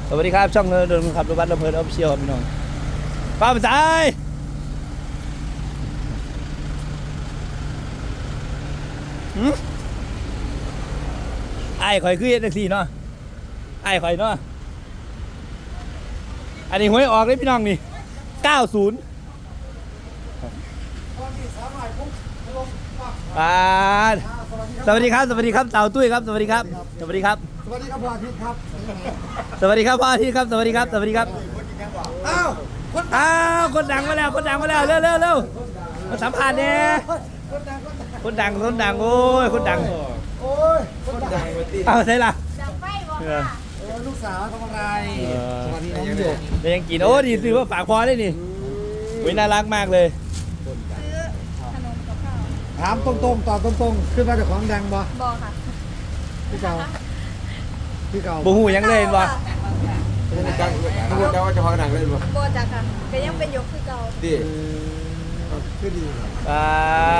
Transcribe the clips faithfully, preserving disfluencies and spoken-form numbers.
สวัสดีครับช่องเดินขับรถบัสลำเพลินออฟฟิเชียลพี่น้องป้าปัจจัยไอ้ข่อยคือเอ็นซีเนาะไอ้ข่อยเนาะอันนี้หวยออกเลยพี่น้องนี่เก้าศูนย์อ่าสวัสดีครับสวัสดีครับเต่าตุ้ยครับสวัสดีครับสวัสดีครับสวัสดีครับพ่ออาทิตย์ครับสวัสดีครับพ่ออาทิตย์ครับสวัสดีครับสวัสดีครับอ้าวคนอ้าวคนดังมาแล้วคนดังมาแล้วเร็วเร็วเร็วมาสัมภาษณ์เนี่ยคนดังคนดังคนดังคนดังโอ้ยคนดังโอ้ยคนดังเอาใช่ละจับไฟบ่เออค่ะเออลูกสาวทำอะไรเออสวัสดีน้องหยกเดี๋ยวยังกินโอ้ดีซื้อว่าฝากพอได้นี่วิน่ารักมากเลยซื้อขนมกับข้าวถามตรงๆตอบตรงๆขึ้นมาจากของดังบ่บ่ค่ะพี่เก่าพี่เก่าบูฮูยังเล่นวะไม่รู้จักไม่รู้จักว่าจะพาหนังเล่นบ่บ่จ้ะค่ะก็ยังเป็นยกคือเก่าดิคือดีอ่า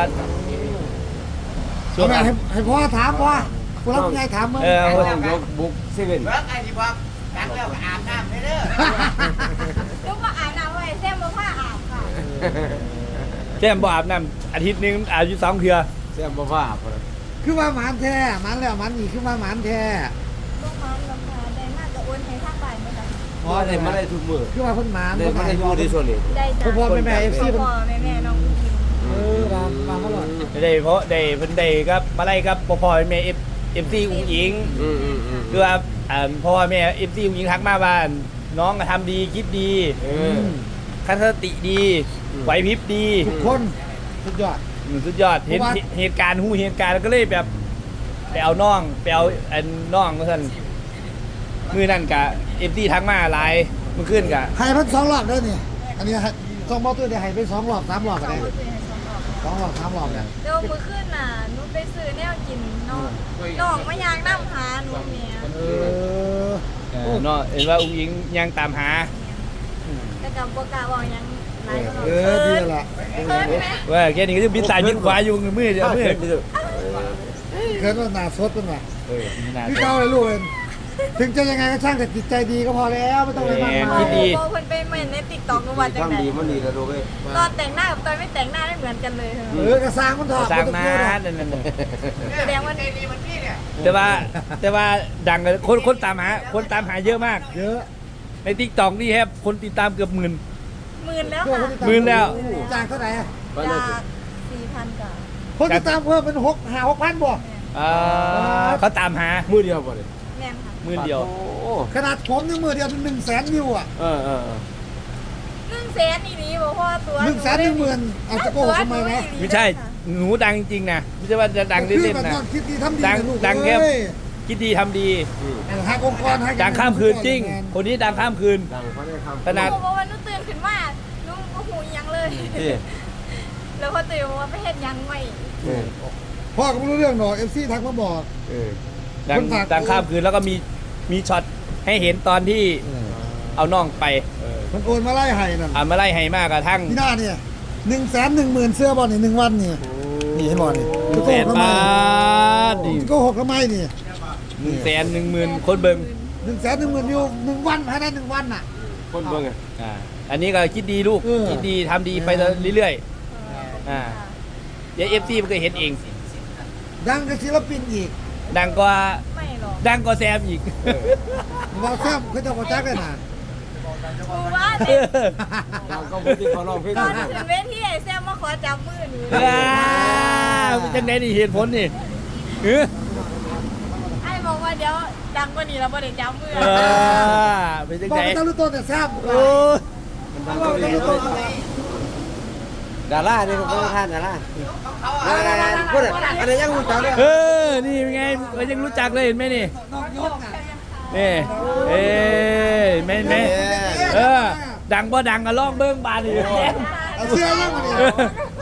เอาแม่ให้ให้พ่อถามพ่อผู้รับไงถามมึงเออยกบุกเซเว่นเบิกไอ้ที่บอกดังแล้วก็อาบน้ำให้เด้อลูกบ่อาบน้ำไว้แซ่บบ่ผ้าอาบค่ะแก้มบ่อาบน้ำอาทิตย์นึงอาบอยู่สองเทื่อแซ่บบ่ฟ้าบ่คือว่าหมานแท้หมานแล้วหมานอีกคือว่าหมานแท้ลูกมันราคาได้มากก็โอนให้ทางบ้านบ่จ้ะอ๋อได้มาได้ทุกมื้อคือว่าเพิ่นหมานได้มาได้ทุกที่ส่วนนี้ได้จ้ะพ่อแม่แม่เอฟซีพ่อแม่แม่น้องผู้หญิงเออมามาเขาหลอดได้เพราะได้เพิ่นได้ครับมาไล่ครับพ่อพ่อแม่เอฟเอฟซีอุ้งอิงอืมอืมอืมคือว่าอ่าพ่อแม่เอฟซีอุ้งอิงทักมาว่าน้องก็ทำดีคิดดีเออคันสติดีไหวพริบดีทุกคนสุดยอดอืมสุดยอดเห็นเพราะว่าเหตุการณ์หูเหตุการณ์แล้วก็เลยแบบไปเอาน้องไปเอาอันน้องก็สั่นมือนั่นกะเอฟซีทักมาหลายเมื่อคืนกะให้เพิ่นสองรอบเด้อนี่อันนี้ให้สองบอลตัวเดียวให้ไปสองรอบสามรอบสก็องได้มื้อคืนให้สองรอบสองรอบสามรอบเนี่ยเดี๋ยวมื้อคืนน่ะหนูไปซื้อแนวกินน้องน้องมายางน้ำหาหนูแม่เออเออเนาะเห็นว่าอุ้งอิงยังตามหาแต่ก็บ่กล้าเว้าหยังหลายก็เออดีละเพิ่นแม่ว่าแค่นี้ก็จะบินซ้ายบินขวาอยู่มือเดียวมือเกิดว่าหนาสดเป็นไงเออพี่เก้าเลยลูกเองถึงจะยังไงก็ช่างแต่จิตใจดีก็พอแล้วไม่ต้องอะไรมากมายคิดดีพอเพิ่นไปเม่นใน TikTok ก็ว่าจังได๋ทำดีมันดีแล้วดูเว้ยตอนแต่งหน้ากับตอนไม่แต่งหน้าไม่เหมือนกันเลยเออกระซังมันถอดสร้างมาเนั่นนั่นแสดงว่าใจดีมันพี่เนี่ยแต่ว่าแต่ว่าดังเลยคนคนตามหาคนตามหาเยอะมากเยอะในทิกตอกนี่แฮบคนติดตามเกือบหมื่นหมื่นแล้วค่ะหมื่นแล้วจากเท่าไหร่จากสี่พันกว่าคนติดตามเพิ่มเป็นหกหาหกพันบ่อ่าเขาตามหามื้อเดียวบ่ได้แม่นค่ะหมื่นเดียวโอ้ขนาดผมนี่มือเดียวเป็นหนึ่งแสนวิวอ่ะเออเออเออหนึ่งแสนอีนี้บอกว่าตัวหนึ่งแสนหนึ่งหมื่นเอาจะโกหกทำไมวะไม่ใช่หนูดังจริงๆนะไม่ใช่ว่าจะดังคือเล่นแบบๆนะนอนคิดดีทำดีดังนะลูกดังแค่เอ้ยคิดดีทำดีอืมหักองค์กรหักดังข้ามคืนจริง คนนี้ดังข้ามคืนดังเพราะได้คำขนาดหนูบอกว่าหนูตื่นขึ้นมาหนูก็หูยังเลยที่แล้วพอตื่นว่าไปเฮ็ดยังไม่เออพ่อก็ไม่รู้เรื่องหรอกเอฟซีทักมาบอกเออดังคนฝากดังข้ามคืนแล้วก็มีมีช็อตให้เห็นตอนที่เอาน้องไปเออมันโอนมาไล่ให้นั่นอ่ามาไล่ให้มากกระทั่งพี่หน้าเนี่ยหนึ่งแสนหนึ่งหมื่นเสื้อบอลนี่หนึ่งวันนี่นี่เห็นบอลนี่หนึ่งแสนบาทนี่ก็หกทำไมนี่หนึ่งแสนหนึ่งหมื่นคนเบิ่งหนึ่งแสนหนึ่งหมื่นวิวหนึ่งวันภายในหนึ่งวันน่ะคนเบิ่งอ่ะอ่าอันนี้ก็คิดดีลูกเออคิดดีทำดีไปเรื่อยๆอ่าเดี๋ยวเอฟซีมันก็เห็นเองดังกับศิลปินอีกดังกว่าไม่หรอกดังกว่าแซมอีกเราแซมเขาจะกระจักเลยนะกูว่าเด็กดังก็บ่ที่เขาร้องเพลงตอนนะขึ้นเวทีไอ้แซมมาขอจับมือหนูอ่าเป็นจังไดนี่เหตุผลนี่เออไอ้บอกว่าเดี๋ยวดังกว่านี้แล้วบ่ได้จับมือเออเป็นจังบอกไดไปตะลุต้นแต่แซมโอ้ยมันดังบก็อกไปดีตะลุต้นดารานี่ก็บ่ทานดาราดาราพูดอ่ะอันนี้ยังรู้จักเลยเออนี่เป็นไงมันยังรู้จักเลยเห็นไหมนี่น้องยกน่ะนี่เอ้ยแม่นไหมเออดังบ่ดังก็ลองเบิ้งบานนี่แซมเอาเสื้อยังมาดิเออ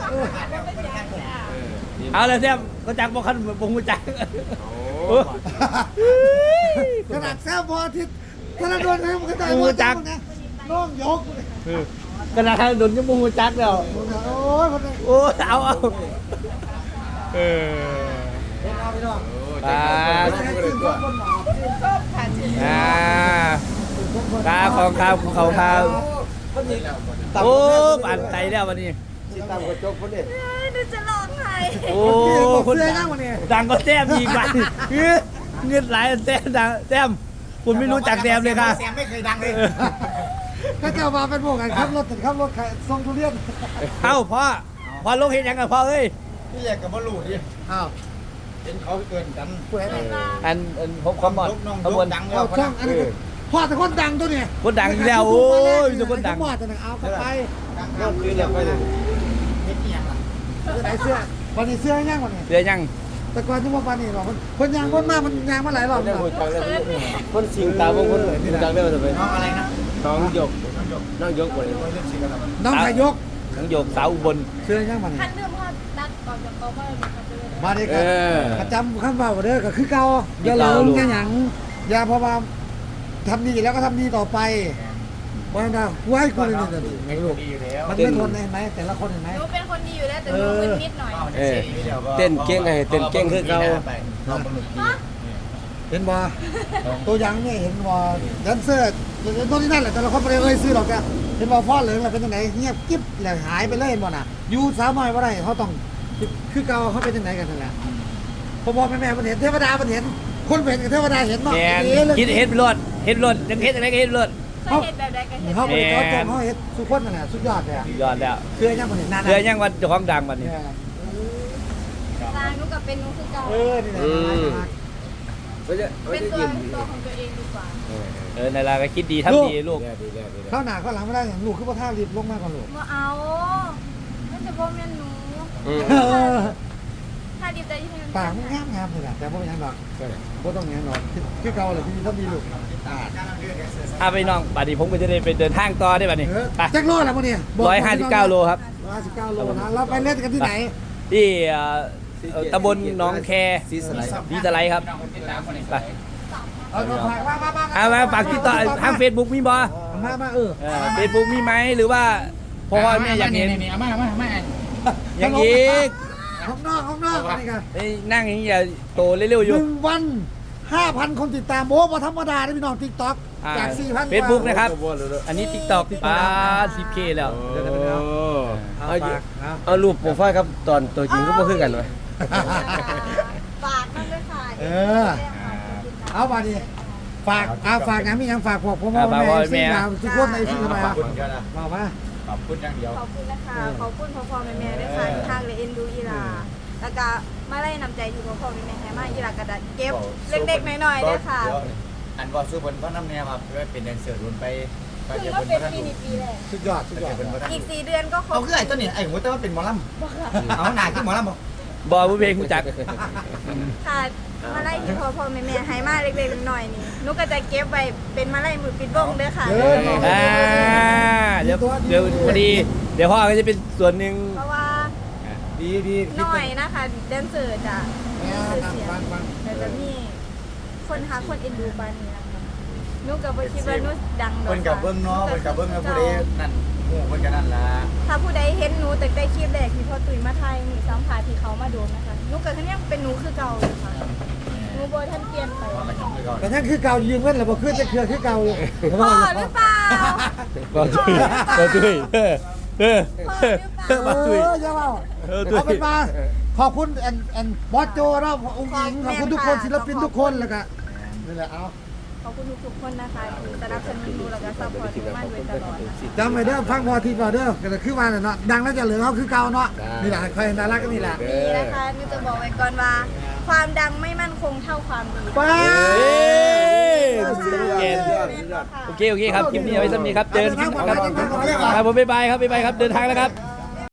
เอาละแซมก็จักบ่คันบ่ฮู้จักโอ้โอ้ขนาดแซมพออาทิตย์ธนาโดนนะมันก็ได้หมดจังนะน้องยกเออขนาดทางโดนยังบ่ฮู้จักแล้วโอ้ยคนนี้โอ้เอาเอาเออเอาไปน้องปาดให้ขึ้นรถบนหมออ่าทองคำภูเขาคคนนี้ำโอ้ปั่นใจแล้ววันนี้สิตามกระจกคนนี้เฮ้ยหนูจะร้องไห้โอ้คนนเสื้อดันั่งงวันนี้ดังก็แต้มอีกไปเฮ้ยเงินหลายแต้มดังแต้มคุณไม่รู้จักแต้มเลยค่ะเสียงไม่เคยดังเลยก็จะมาเป็นพวกกันขับรถขับรถขายส่งทุเรียนเอ้าพ่อพ่อลงเห็นยังกับพ่อเอ้ยพี่อยากกับบอลลูดิอ้าวเห็นเขาเกินกันป่วยอะไรอันอันผมความหมดลูกน้องขบวนดังแล้เอาวช่องอันนี้พ่อแต่คนดังตัวเนี่ยคนดังอีกแล้วโอ้ยมีแต่คนดังหมอดแต่หนังเอาเข้าไปดังก็คือแล้วไปเลยเห็นยังล่ะจะไหนเสื้อวันนี้เสื้อย่างวันนี้เดี๋ยวยังแต่ก่อนที่ว่าวันนี้หรอกคนยางคนมากมันยางมาหลายรอบได้แล้วหัวจังเลยคนสิงตาบางคนหัวจังได้มาทำไมน้องอะไรนะน้องยกน้องยกคนนี้เล่นสิกันแล้วน้องขายกทั้งโยกสาวอุบลเสื้อย่างวันนี้คันเรื่องพ่อตัดออกจากโต๊ะก็เลยมาเลยมาดีเอกันอประจำขั้นว่าเด้อก็คือเก่าอย่าเลิงอย่าหยังอย่าเพราะว่าทำดีแล้วก็ทำดีต่อไปวันน่ะไว้กูเลยนี่ไม่รู้ดีอยู่แล้วมันไม่ทนเห็นไหมแต่ละคนเห็นไหมหนูเป็นคนดีอยู่แล้วแต่หนูมึนนิดหน่อยเออเต้นเก่งไงเต้นเก่งคือเขาน้องบอลลูดีเห็นบ่ตัวอยังเนี่ยเห็นบ่แดนเซอร์ตัวนี้นั่นแหละแต่ละคนไม่ได้เอ่ยซื้อหรอกแกเห็นบ่พ่อเหลืองแล้วเป็นยังไงเงียบกิ๊บแล้วหายไปเลยเห็นบ่น่ะอยู่สาวน้อยบ่ได้เขาต้องคือเก่าเขาเป็นยังไงกันนั่นแหละพ่อพ่อแม่แม่มันเห็นเทวดามันเห็นคนเป็นกับเทวดาเห็นเนาะแมนคิดเฮ็ดไปรถเฮ็ดรถยังเฮ็ดอะไรก็เฮ็ดรถเคยเห็นแบบใดก็เห็นเขาไปเจาะจงเขาเห็นสุดคนนั่นแหละสุดยอดเลยอะยอดแล้วเชื่อยังมันเห็นนานเดี๋ยวยังวันเจ้าของดังวันนี้ตางหนูกับเป็นหนูคือเก่าเออนี่แหละไม่ใช่ไม่เป็นใช่ตัวยินตัวของตัวเองดีกว่าเออในลาก็คิดดีทำดีลูกดีแล้วดีแล้วดีแล้วเข้าหนาเข้าหลังไม่ได้อย่างลูกคือว่าท่ารีบลงมากกว่าลูกมาเอานั่นจะพ่อแม่หนูอืมถ้าดีใจที่มันปากมันงามงามเลยนะแต่ว่าอย่างหรอกก็ต้องอย่างหรอกคือเก่าเลยที่นี่ต้องมีลูกอ่ะไปน้องบัดนี้ผมก็จะได้ไปเดินทางต่อได้บัดนี้เออไปแจ็คโลแล้วพวกนี้ร้อยห้าสิบเก้าโลครับร้อยห้าสิบเก้าโลนะเราไปเล่นกันที่ไหนที่เอ่อเอ่อตำบลหนองแคซีสไลด์ดีสไลด์ครับไปเอามาฝากมามามาเอามาฝากติดต่อทางเฟซบุ๊กมีบ่มามาเออเฟซบุ๊กมีไหมหรือว่าพ่อแม่อยากเห็นนี่มามามาอย่างอีกข้างนอกข้างนอกนี่กันเอ้ยนั่งอย่างนี้อย่าโตเร็วๆอหยู่นึ่งวันห้าพันคนติดตามโอ้พอธรรมดาได้พี่น้องติ๊กต็อกจากสี่พันเฟซบุ๊กนะครับ อันนี้ติ๊กต็อกป้าสิบเคแล้วเดี๋ยวกันเอาเอาเอาฝากเอาเอารูปโปรไฟล์ครับตอนตัวจริงก็ไม่คือกันเลยฝากมันด้วยค่ะเออ เอามาดิฝากอาฝากงานมียังฝากพวกพ่อแม่แม่สิ่งดาวทุกคนในสิ่งอะไรขอบคุณกันนะบอกมาขอบคุณอย่างเดียวขอบคุณนะคะขอบคุณพ่อพ่อแม่แม่ด้วยค่ะที่ทางเลยเอ็นดูอีหลาแล้วก็มาไล่นำใจที่พ่อพ่อแม่แม่ให้มาอีหลากระดาษเก็บเล็กๆน้อยๆด้วยค่ะอันว่าสู้บนพระน้ำเนี่ยครับเพื่อเป็นแดนเซอร์รุนไปไปคือเจะว่าเป็นเป็นพระปีนี้ปีแรกสุดยอดสุดยอดเป็นพระอีกสี่เดือนก็ครเอาบคือไอ้ต้นนี่ไอ้หัวแต่ว่าเป็นหมอลำเอาหนาขึ้นหมอลำบ่บอยผู้เพลงผู้จักค่ะมาไล่ที่พ่อพ่อแม่แม่ให้มาเล็กๆน้อยๆนี่หนุก็จะเก็บไว้เป็นมาไล่มือปิดวงเด้อค่ะอ่าเดี๋ยวเดี๋ยวพอดี เดี๋ยวพ่อก็จะเป็นส่วนหนึ่งเพราะว่าดีดีน้อยนะคะแดนเซอร์จ้ะมีชื่อเสียงฟังฟังแต่จะมีคนหาคนเอ็นดูปานนี้นะคะหนุก็บ่คิดว่าหนุดังดอกเพิ่นกับเบิ้งเนาะเพิ่นกับเบิ้งกับผู้ใดนั่นหมู่เพิ่นกับนั่นล่ะถ้าผู้ใดเห็นหนูแต่ได้คลิปแรกที่พ่อตุ้ยมาไทยมีสัมภาษณ์ที่เขามาโดนนะคะหนุก็คือยังเป็นหนูคือเก่าอยู่ค่ะหนูบ่ทันเปลี่ยนไปว่ากันยังคือก่อนแต่นั่นคือเก่ายืมเงินหรือเปล่าคือจะเครือคือเก่าอยู่พ่อหรือเปล่าบอจุยบอจุยเออเออพ่อหรือเปล่าบอจุยเอออย่าเมาเออตุ้ยเอาเป็นมาขอบคุณแอนแอนบอสโจเราองค์หญิงขอบคุณทุกคนศิลปินทุกคนแล้วก็นี่แหละเอาขอบคุณทุกๆคนนะคะที่สนับสนุนหนูแล้วก็ซัพพอร์ตหนูมาโดยตลอดนะคะจำไว้เด้อฟังพอทีพอเด้อก็คือว่าเนาะดังแล้วจะเหลือเขาคือเก่าเนาะนี่แหละใครน่ารักก็นี่แหละดีนะคะหนูจะบอกไว้ก่อนว่า ความดังไม่มั่นคงเท่าความดีป้าเอ้ยเกเกณณฑ์ฑ์โอเคโอเคครับคลิปนี้เอาไว้สักนี้ครับเจอกันคลิปหน้าครับครับผมบ๊ายบายครับบ๊ายบายครับเดินทางแล้วครับ